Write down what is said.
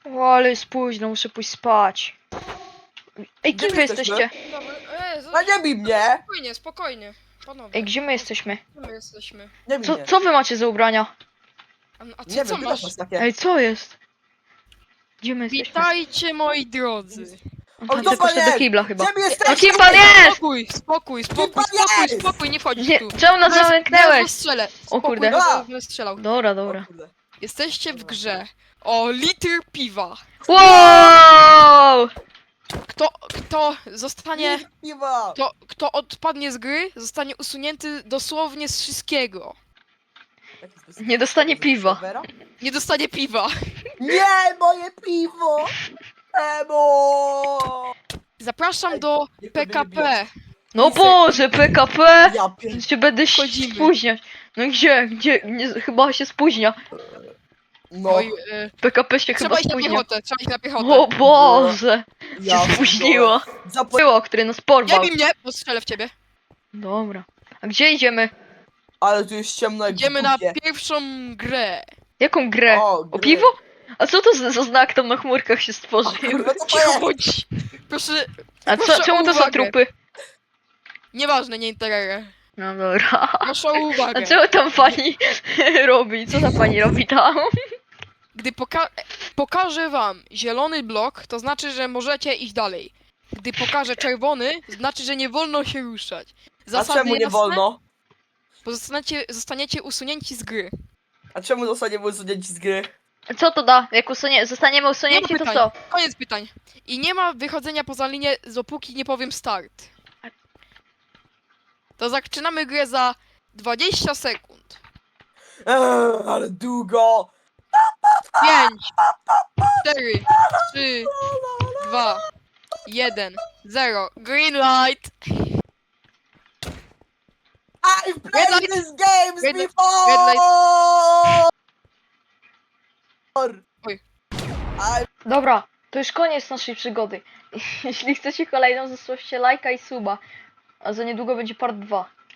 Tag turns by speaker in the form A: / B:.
A: O, ale jest późno, muszę pójść spać. Ej,
B: Gdzie
A: kim
B: my
A: wy
B: jesteśmy?
A: jesteście?
C: Dobra,
B: No nie bij mnie!
C: spokojnie, spokojnie. Panowie,
A: Ej, gdzie my jesteśmy?
C: gdzie my jesteśmy?
B: Nie bij
A: Co,
B: mnie.
A: co wy macie za ubrania?
C: A ty
B: Nie
C: co
B: wiem,
C: masz?
B: masz takie.
A: Ej, co jest? Gdzie my jesteśmy?
C: Witajcie moi drodzy.
B: O,
A: Pan
B: kto
A: ty poszedł
B: pan
A: do
B: jest?
A: kibla chyba.
B: Gdzie my
A: No
B: jesteśmy?
A: kim pan jest?
C: Spokój, spokój,
B: pan
C: spokój, spokój,
B: jest?
C: spokój, nie wchodzisz
A: Nie,
C: tu.
A: czemu nas
C: Zaraz
A: zamknęłeś?
C: strzelę.
A: O kurde.
C: Spokój,
B: A!
C: bo będę strzelał.
A: Dobra,
B: O
A: dobra.
B: kurde.
C: Jesteście w grze o litr piwa.
A: Wow!
C: Kto zostanie...
B: Litr piwa!
C: Kto odpadnie z gry, zostanie usunięty dosłownie z wszystkiego.
B: Jaki specjalny
A: Nie dostanie
B: tego
A: piwa.
B: serwera?
C: Nie dostanie piwa.
B: Nie, moje piwo! Emo!
C: Zapraszam
B: Ej,
C: do
B: niech to mnie nie
C: PKP.
A: No Boże, PKP!
B: Ja pier...
A: Się będę
C: Wchodzimy.
A: spóźniać. No gdzie? Nie, chyba się spóźnia.
B: No,
A: No
C: Oj,
A: PKP się
C: trzeba
A: chyba
C: iść na
A: spóźnia.
C: piechotę, trzeba iść na piechotę.
A: O Boże!
B: ja
A: Się spóźniło.
B: Zapo...
A: Było, który nas
C: Nie
A: porwał.
C: bij mnie, bo strzelę w ciebie.
A: Dobra. A gdzie idziemy?
B: Ale tu jest ciemno jak w
C: Idziemy na
B: dupie.
C: pierwszą grę.
A: Jaką grę?
B: O,
A: O
B: grę.
A: piwo? A co to za znak tam na chmurkach się
B: O
A: stworzył?
B: kurwa, co to
C: Cicho
B: jest?
C: bądź. Proszę,
A: A
C: proszę o
A: czemu to są
C: uwagę.
A: trupy?
C: Nieważne, nie interesuje.
A: No dobra.
C: Proszę o
A: A
C: uwagę.
A: co tam pani robi? Co ta pani robi tam?
C: Gdy pokażę wam zielony blok, to znaczy, że możecie iść dalej. Gdy pokażę czerwony, znaczy, że nie wolno się ruszać.
B: A
C: Zasady
B: czemu nie
C: jasne?
B: wolno?
C: Bo zostaniecie usunięci z gry.
B: A czemu zostaniemy usunięci z gry?
A: Co to da? Jak zostaniemy
C: Nie ma
A: usunięci, to
C: pytań.
A: co?
C: Koniec pytań. I nie ma wychodzenia poza linię, dopóki nie powiem start. To zaczynamy grę za 20 sekund.
B: Ale długo!
C: 5, 4, 3, 2, 1, 0. Green light!
B: I've
C: Red
B: played
C: light.
B: these games
C: Red light.
B: before!
C: Red light. Oj.
A: Dobra, to już koniec naszej przygody. Jeśli chcecie kolejną, zostawcie lajka i suba. A za niedługo będzie part 2.